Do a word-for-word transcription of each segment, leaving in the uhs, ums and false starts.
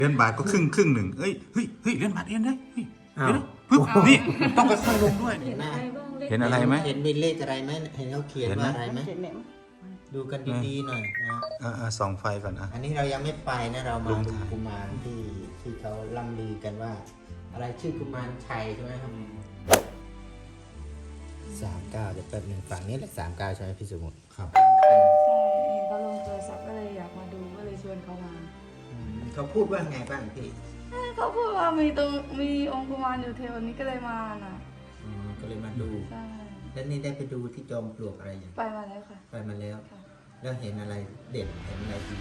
เหรียญบาทก็ครึ่งครึ่งหนึ่งเอ้ยเฮ้ยเฮ้ยเหรียญบาทเอ็นได้เฮ้ยเดี๋ยวนะปึ๊บนี่ต้องค่อยๆลงด้วยเห็นไหมเห็นอะไรไหมเห็นมีเลขอะไรไหมเห็นเขาเขียนว่าอะไรไหมดูกันดีๆหน่อยนะอ่าส่องไฟก่อนอ่ะอันนี้เรายังไม่ไปนะเรามาลงดูถ่ายกุมารที่ที่เขาล่ำลือกันว่า อะไรชื่อกุมารชัยใช่ไหมครับสามเก้าเดี๋ยวแป๊บหนึ่งฝั่งนี้แหละสามเก้าใช่ไหมพี่สมุทรครับใช่เห็นเขาลงโทรศัพท์ก็เลยอยากมาดูก็เลยชวนเขามาอืมเขาพูดว่าไงบ้างพี่เขาพูดว่ามีตรงมีองค์กุมารอยู่แถวนี้ก็เลยมาน่ะอ๋อก็เลยมาดูใช่แล้วนี่ได้ไปดูที่จอมปลวกอะไรอย่างไปมาแล้วค่ะไปมาแล้วค่ะแล้วเห็นอะไรเด่นเห็นอะไรดี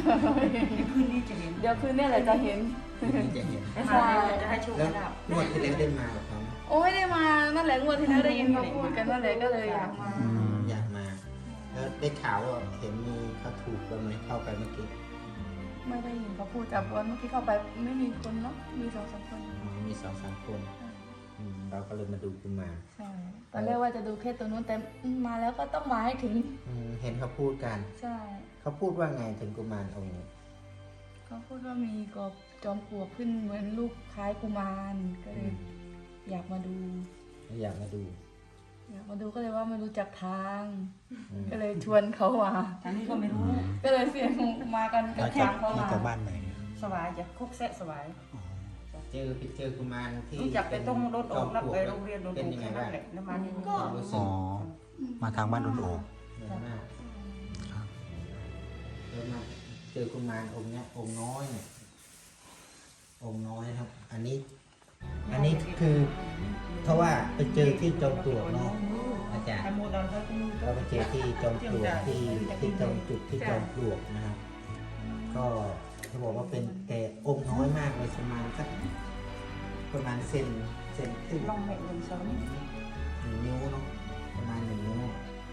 เดี๋ยวคืนนี้แหละจะเห็นที่จะเห็นใช่แล้วงวดที่แล้วได้มากับเขาไหมโอ้ไม่ได้มานั่นแหละงวดที่แล้วได้ยินเขาพูดกันนั่นแหละก็เลยอยากมาอืมอยากมา แล้วได้ข่าวว่าเห็นมีเขาถูกบ้างไหมเข้าไปเมื่อกี้ไม่ได้ยินเขาพูดแต่วันเมื่อกี้เข้าไปไม่มีคนเนาะมีสองสามคนอ๋อมีสองสามคนอืมเราก็เลยมาดูกุมารใช่ตอนแรกว่าจะดูแค่ตัวนู้นแต่มาแล้วก็ต้องมาให้ถึงอืมเห็นเขาพูดกันใช่เขาพูดว่าไงถึงกุมารองค์นี้เขาพูดว่ามีกบจอมปลวกขึ้นเหมือนลูกคล้ายกุมารก็เลยอยากมาดูอยากมาดูอยากมาดูก็เลยว่าไม่รู้จักทางอืมก็เลยชวนเขามาทางนี้ก็ไม่รู้ก็เลยเสียงมากันกับทางเขามาจากบ้านไหนสวายจะคุกแซะสวายเจอไปเจอกุมารที่รู้จักไปต้องรถโอกนับไปจโรอมงปลวกเรียนโรงเป็นเรียนยังไงแค่นั้บ้างนแหละน้ำมันนี่ก็ความรู้สึอ๋กอมาทางบ้านโดนโอกเหนื่อยมากครับแล้วมาเจอกุมารองค์เนี้ยองค์น้อยเนี่ยองค์น้อยครับ อันนี้ อันนี้คือเพราะว่าไปเจอที่จอมปลวกเนาะอาจารย์ไอ้โมดอนเขาก็มีเราไปเจอที่จอมปลวกที่ที่จอมจุดที่จอมปลวกนะครับ ก็เขาบอกว่าเป็นแต่องค์น้อยมากเลยประมาณสักประมาณเซนเซนครึ่งลองแม่เงินสองหนึ่งนิ้วเนาะประมาณหนึ่งนิ้ว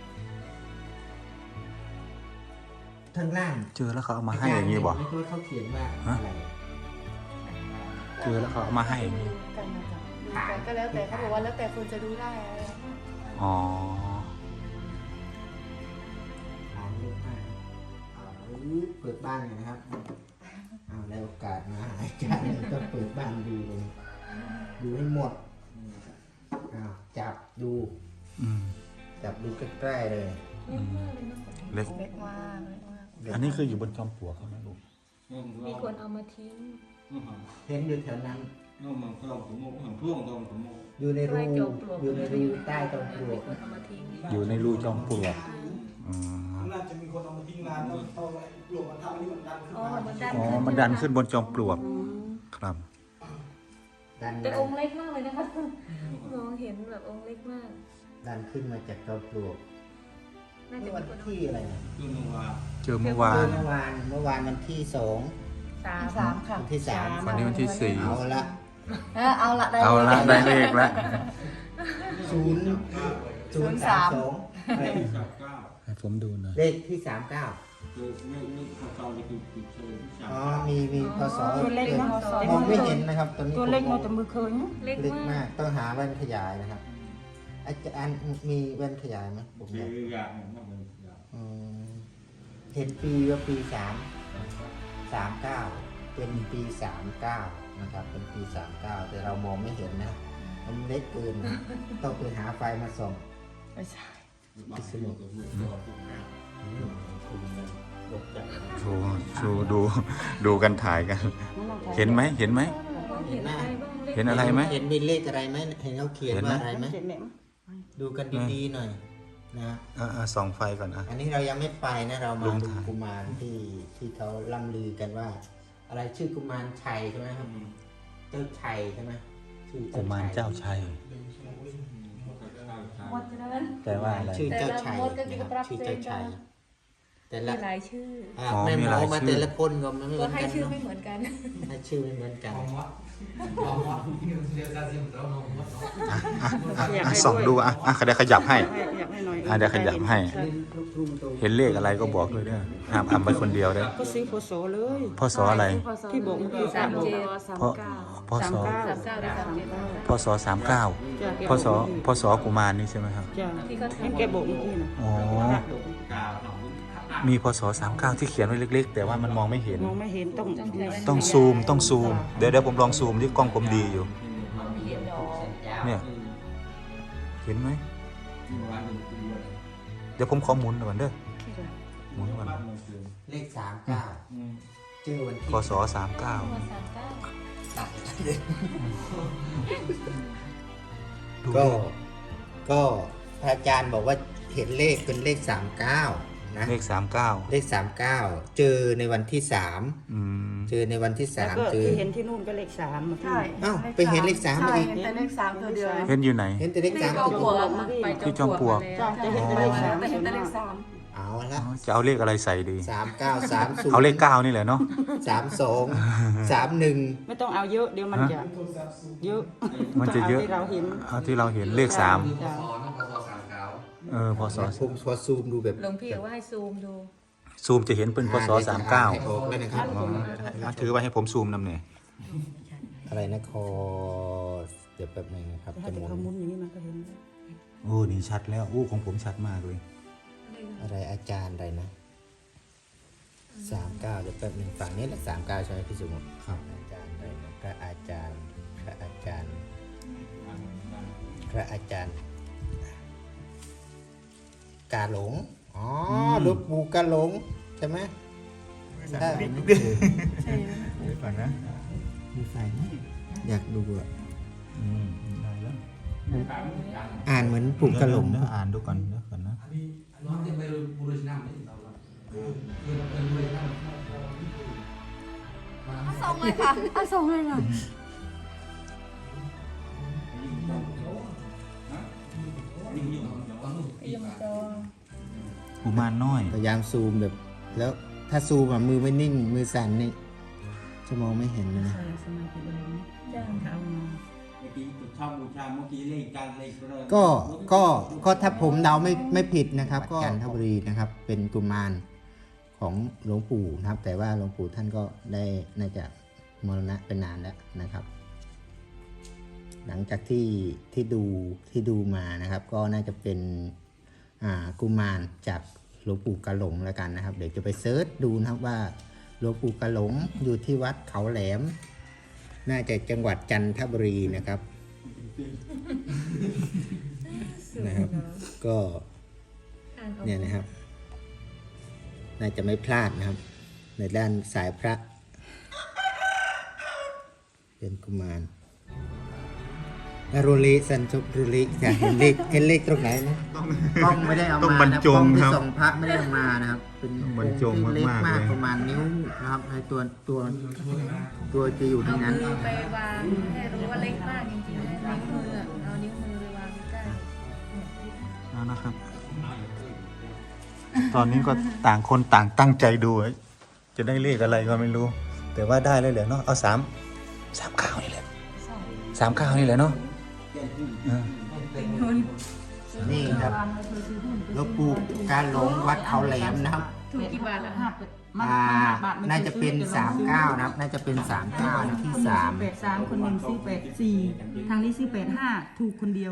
ทางล่างเจอแล้วเขาเอามาให้อย่างนี้บ่ไม่รู้เขาเขียนว่าอะไรเจอแล้วเขาเอามาให้อย่างนี้กันนะคะดูกันก็แล้วแต่เขาบอกว่าแล้วแต่คนจะดูได้อะไรอ๋ออ่านเยอะมากอ่าเปิดบ้านหน่อยนะครับเอาได้โอกาสมาหาอาจารย์ต้องเปิดบ้านดูเลยดูให้หมดอ้าวจับดูอืมจับดูใกล้ๆเลยอืมเล็กเล็กมากเล็กมากอันนี้คืออยู่บนจอมปลวกเขาไหมลูกมีคนเอามาทิ้งเห็นอยู่แถวนั้น nó mà không cũng một thằng thuốc không cũng một อยู่ในรูใต้จอมปลวกอยู่ในรูใต้จอมปลวกคนเอามาทิ้งอยู่ในรูจอมปลวกอืมน่าจะมีคนเอามาทิ้งนานแล้วเอาไอ้ปลวกมาทำอันนี้มันดันขึ้นอ๋อมามันดันอ๋อขึ้นมันดันขึ้นบนจอมปลวก ครับดันแต่องค์เล็กมากเลยนะคะมองเห็นแบบองค์เล็กมากดันขึ้นมาจากจอมปลวกน่าจะเมื่อมีวันคนที่อะไรนะคือมึงว่าเจอเมื่อวาเจอน เมื่อวานเมื่อวานวันที่สองสามสามค่ะวันที่สามวันนี้วันที่สี่เอาละเออเอาละได้เอาละได้เลขแล้วศูนย์ศูนย์สามสอง sạp cao ให้ผมดูหน่อยเลขที่สามเก้าคือไม่ไม่เขาเขาเลยคือคือเชิญที่สามอ๋อ มีมีพศตัวเล็กเนาะมองไม่เห็นนะครับตอนนี้ตัวเล็กผมเนาะแต่มือเคยเนาะเล็กเล็กมามาก กต้องหาแว่นขยายนะครับอาจารย์มีแว่นขยายไหมผมอยากคืออยากเนี่ยมันเป็นอยากอืมเห็นปีว่าปีสามสามเก้าเป็นปีสามเก้านะครับ เป็นปีสามเก้าแต่เรามองไม่เห็นนะมันเล็กเกินนะต้องไปหาไฟมาส่องไม่ใช่บางทีก็พูดต่อพูดนะอืมคุณมันตกใจโชว์โชว์ดู ดูกันถ่ายกัน เห็นไหมเห็นไหมเห็นไหมเห็นอะไรไหมเห็นมีเลขอะไรไหมเห็นเขาเขียนเห็นไหมว่าอะไรไหมเจ็ดแม่ดูกันดีๆหน่อยนะอ่าอ่าส่องไฟก่อนอ่ะอันนี้เรายังไม่ไปนะเราลมาง ดูถ่ายกุมารที่ที่เขาล่ำลือกันว่า อะไรชื่อกุมารชัยใช่ไหมครับเจ้าชัยใช่ไหมชื่อกุมารเจ้าชัยหมดฉะนั้นแต่ว่าอะไรชื่อเจ้าชัยแต่ละมดก็นะครับจะรับชื่อเจ้าชัยเซ็นแต่มีละหลายชื่ออ่าอ๋อแม่มีหมหลาอย มาชื่อแต่ละคนก็ไม่เหมืก็อนให้กันชื่อเนาะไม่เหมือนกันให้ชื่อไม่เหมือนกันอ่ะส่องดูอ่ะอ่ะเดี๋ยวขยับให้อยากให้หน่อยอ่ะเดี๋ยวขยับให้ เห็นเลขอะไรก็บอกเลยเด้อห้ามอ่ำไปคนเดียวเด้อก็ซื้อพศเลยพ่อสออะไรที่บอกเมื่อกี้สามเจ็ดพ่อพ่อสามสอเก้าสามเก้าได้สามเจ็ดพ่อสอสามเก้าจ้ะพ่อสอพ่อสอกุมารนี่ใช่ไหมครับจ้ะที่เขาให้ทำแกบอกเมื่อกี้นะอ๋อกาวของเมีพศสามเก้าที่เขียนไว้เล็กๆ แต่ว่ามันมองไม่เห็นมองไม่เห็นต้องต้องซูมต้องซูมเดี๋ยวเดี๋ยวผมลองซูมที่กล้องผมดีอยู่ เนี่ยเห็นไหมเดี๋ยวผมขอหมุนก่อนเด้อหมุนก่อนเลขสามเก้าชื่อวันที่พศสามเก้าก็ก็พระอาจารย์บอกว่าเห็นเลขเป็นเลขสามเก้านะเลขสามเก้าเลขสามเก้าเจอในวันที่สามอืมเจอในวันที่แล้วสามก็เจอที่เห็นที่นู่นก็เลขสามมาใช่อ้าวไปเห็นเลขสามใช่อีกเห็นแต่เลขสามตัวเดียวเห็นอยู่ไหนเห็นแต่เลขสามจอมตัวปลวกไปที่จอมปลวกจ้าจะเห็นแต่เลขสามแต่เห็นแต่เลขสามเอาละจะเอาเลขอะไรใส่ดีสามเก้าสามศูนย์เอาเลขเก้านี่แหละเนาะสามสองสามหนึ่งไม่ต้องเอาเยอะเดี๋ยวมันจะเยอะมันจะเยอะที่เราเห็นเอาที่เราเห็นเลขสามจ้ะเออพศผมพอซูมดูแบบหลวงพี่ว่าให้ซูมดูซูมจะเห็นเป็นพศสามเก้าให้ออกเลยนะครับถือไว้ให้ผมซูมนำเนี่ยอะไรนะคอเดี๋ยวแป๊บนึงนะครับแต่ถ้าจะหจะมุนเขามุนอย่างนี้มันก็เห็นโอ้นี่ชัดแล้วโอ้ของผมชัดมากเลยอะไรอาจารย์อะไรนะสามเก้าเดี๋ยวแป๊บนึงฝั่งนี้แหละสามเก้าใช่ไหมพี่สมมุติครับอาจารย์อะไรนะพระอาจารย์พระอาจารย์พระอาจารย์ กาหลงอ๋อหลวงปู่กาหลงใช่ไหมใช่เดี๋ยวก่อนนะมีไฟไหมอยากดูอ่ะอืมได้แล้วอ่านเหมือนปู่กาหลงเดี๋ยวอ่านดูก่อนเดี๋ยวก่อนนะส่งเลยค่ะเอาส่งเลยค่ะกุมารน้อยพยายามซูมแบบ แล้วถ้าซูมอ่ะมือไม่นิ่ง มือสั่นนี่จะมองไม่เห็นเลยนะใช่สมาธิเลยนะจ้างเขามาเมื่อกี้ชอบบูชาเมื่อกี้เลขการเลขเลยก็ก็ก็ถ้าผมเดาไม่ไม่ผิดนะครับ ก็จันทบุรีนะครับ เป็นกุมารของหลวงปู่นะครับ แต่ว่าหลวงปู่ท่านก็ได้น่าจะมรณะไปนานแล้วนะครับ หลังจากที่ที่ดูที่ดูมานะครับ ก็น่าจะเป็นอ่ากุมารจากหลวงปู่กะหลงแล้วกันนะครับ เดี๋ยวจะไปเซิร์ชดูนะครับว่าหลวงปู่กะหลงอยู่ที่วัดเขาแหลม น่าจะจังหวัดจันทบุรีนะครับนะครับ ก็เนี่ยนะครับ น่าจะไม่พลาดนะครับ ในด้านสายพระ เป็นกุมารแล้วรุลิสันจุรุลิจะเห็นเลขเห็นเลขตรงไหนนะกล้องไม่ได้เอาต้องมาบรรนะจกล้องงที่ครับส่องพระไม่ได้เอามานะครับ เป็นต้องบรรจงองค์ที่เล็กมากๆมากเลยประมาณนิ้วนะครับในตัวตัวตัวจะอยู่ในเอานั้นมือไปวางให้รู้ว่าเล็กมากจริงๆนะนิ้วมืออะเอานิ้วมือไปวางใกล้เอานะครับ ตอนนี้ก็ต่างคนต่างตั้งใจดูไว้จะได้เลขอะไรก็ไม่รู้ แต่ว่าได้เลยเหรอเนาะเอาสามสามเก้านี่แหละสามเก้านี่แหละเนาะเออนี่ครับหลวงปู่การหลงวัดเขาแหลมนะครับถูกกี่บาทแล้วห้าคะเป็ดมันอ่าบาทน่าจะเป็นสามเก้านะครับ น่าจะเป็นสามเก้าที่สามแปดสามคนหนึ่งซื้อแปดสี่ทางนี้ซื้อแปดห้าถูกคนเดียว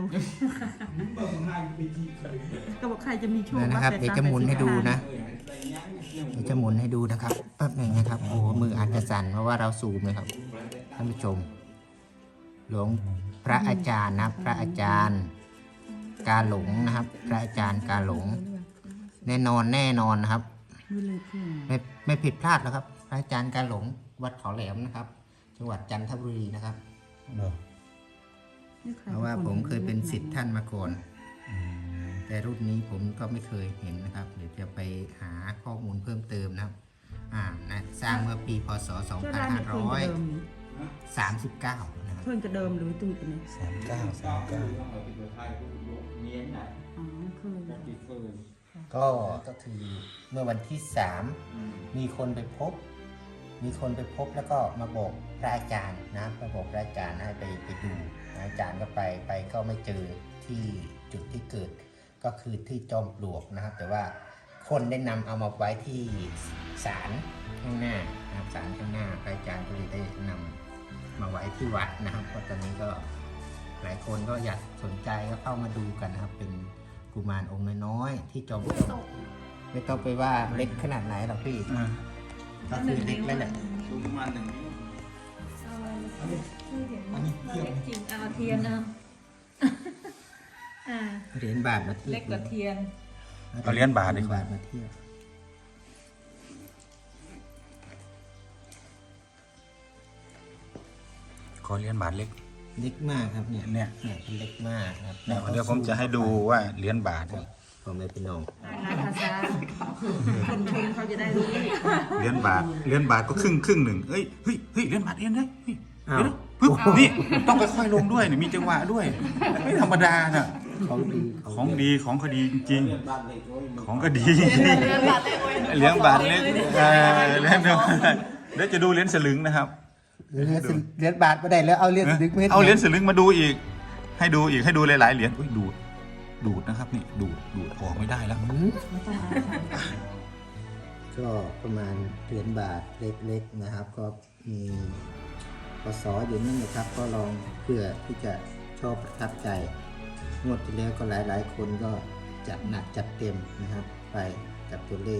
ก็บอกใครจะมีโชคนะครับว่าเดี๋ยวจะหมุนให้ดูนะเดี๋ยวจะหมุนให้ดูนะครับแป๊บหนึ่งนะครับโอ้มืออาจจะสั่นเพราะว่าเราซูมนะครับท่านผู้ชม หลวงพระอาจารย์นะครับพระอาจารย์กาหลงนะครับ พระอาจารย์กาหลง แน่นอนแน่นอนนะครับมือเลยเพื่อนไม่ไม่ผิดพลาดแล้วครับ พระอาจารย์กาหลงวัดเขาแหลมนะครับ จังหวัดจันทบุรีนะครับเนอะเพราะว่าผมเคยเป็นศิษย์ท่านมาก่อนแต่รุ่นนี้ผมก็ไม่เคยเห็นนะครับ เดี๋ยวจะไปหาข้อมูลเพิ่มเติมนะครับ อ่านะสร้างเมื่อปีพศ สองเจ้าพันร้านห้านี่เพื่อนร้อยกระเดิมนี่สามสิบเก้านะครับเพื่อนกระเดิมหรือตุ้ยกันนี่สามเก้าสามเก้าเนียนน่ะอ๋อเพื่อนจะติดเฟิร์นก็ก็คือเมื่อวันที่สามมีคนไปพบ มีคนไปพบแล้วก็มาบอกพระอาจารย์นะมาบอกพระอาจารย์ให้ไปไปดูอาจารย์ก็ไปไปก็ไม่เจอที่จุดที่เกิด ก็คือที่จอมปลวกนะครับ แต่ว่าคนได้นำเอามาไว้ที่ศาลข้างหน้านะครับศาลข้างหน้าพระอาจารย์ก็เลยได้นำมาไว้ที่วัดนะครับเพราะตอนนี้ก็หลายคนก็อยากสนใจก็เข้ามาดูกันนะครับ เป็นกุมารองค์น้อยๆที่จอมปลวกไม่ต้องไปว่าเล็กขนาดไหนหรอกพี่อ่าก็คือเล็กแล้วแหละสูงประมาณหนึ่งนิ้วอันนี้เทียบจริงเอาเทียนเอาอ่าเหรียญบาทมาเทียบเล็กกว่าเทียนเอาเหรียญบาทเหดีรียญกว่าบาทมาเทียบขอเหรียญบาทเล็กเล็กมากครับเนี่ยเนี่ยเนี่ยเล็กมากครับเนี่ยเดี๋ยวผมจะให้ดูว่าเหรียญบาทผมไม่พี่น้องงานภาษาคนชมเขาจะได้รู้เหรียญบาทเหรียญบาทก็ครึ่งครึ่งหนึ่งเอ้ยเฮ้ยเฮ้ยเหรียญบาทเองได้เฮ้ยอ้าวเดี๋ยวนะปึ๊บนี่ต้องค่อยๆลงด้วยนี่มีจังหวะด้วยไม่ธรรมดาน่ะของดีของดีของคดีจริงเรียนบ้านเล็กโอ้ยๆของก็ดีเหรียญบาทเล็กเออเหรียญเดียวเดี๋ยวจะดูเหรียญสลึงนะครับเหรียญสลึงเหรียญบาทไม่ได้แล้วเอาเหรียญสลึงไม่ให้เอาเหรียญสลึงมาดูอีก ให้ดูอีกให้ดูหลายๆเหรียญอุ้ยดูดดูดนะครับนี่ดูดดูดออกไม่ได้แล้วหืมก็ประมาณเหรียญบาทเล็กๆนะครับ ก็มีพศอยู่นั่นนะครับ ก็ลองเพื่อที่จะชอบประทับใจงวดที่แล้วก็หลายๆ คนก็จัดหนักจัดเต็มนะครับ ไปกับตัวเลข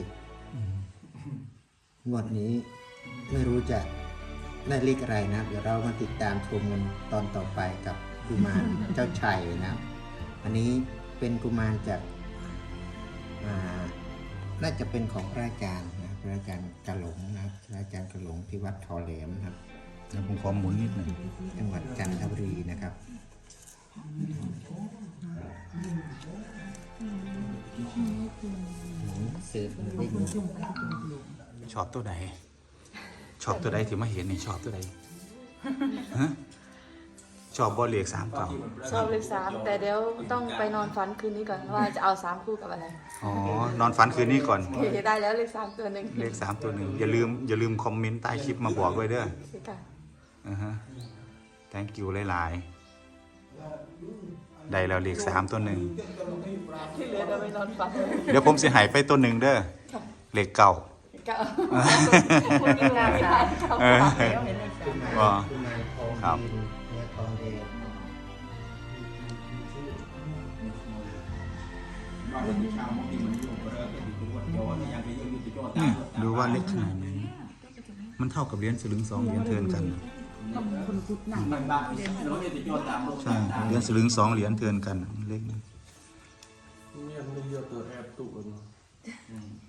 งวดนี้ไม่รู้จะได้เลขอะไรนะเดี๋ยวเรามาติดตามชมกันตอนต่อไปกับกุมารเจ้าชัยนะครับ อันนี้เป็นกุมารจากอ่าน่าจะเป็นของพระอาจารย์นะพระอาจารย์กะหลงนะครับพระอาจารย์กะหลงที่วัดทอแหลมนะครับเดี๋ยวผมขอหมุนนิดหนึ่งจังหวัดจันทบุรีนะครับเสิร์ฟเด้งชอบตัวใดชอบตัวใดที่มาเห็นนี่ชอบตัวใดฮะชอบบอลเหล็กสามเก่าชอบเลขสามแต่เดี๋ยวต้องไปนอนฝันคืนนี้ก่อนว่าจะเอาสามคู่กับอะไรอ๋อนอนฝันคืนนี้ก่อนได้แล้วเลขสามตัวหนึ่งเลขสามตัวหนึ่งอย่าลืมอย่าลืมคอมเมนต์ใต้คลิปมาบอกด้วยเด้อค่ะอ่าฮะ thank you หลายๆได้แล้วเลขสามตัวหนึ่งที่เหลือเราไปนอนฝันเดี๋ยวผมสิหายไปตัวหนึ่งเด้อเลขเก่าก็คนกินงานไม่ได้ครับเออกุมารอ๋อกุมารทองครับดินเนื้อทองแดงบ้านเล็กบูชาเมื่อกี้มันอยู่ก็เริ่มเป็นตัวโยนอย่างที่อยู่ที่โยนนี่ดูว่าเล็กขนาดนี้มันเท่ากับเหรียญสลึงสองเหรียญเทินกันมันบ้านเราเนี่ยที่โยนตามโลกใช่เหรียญสลึงสองเหรียญเทินกันเล็กนิดเนี่ยมันเยอะตัวแอบตุกัน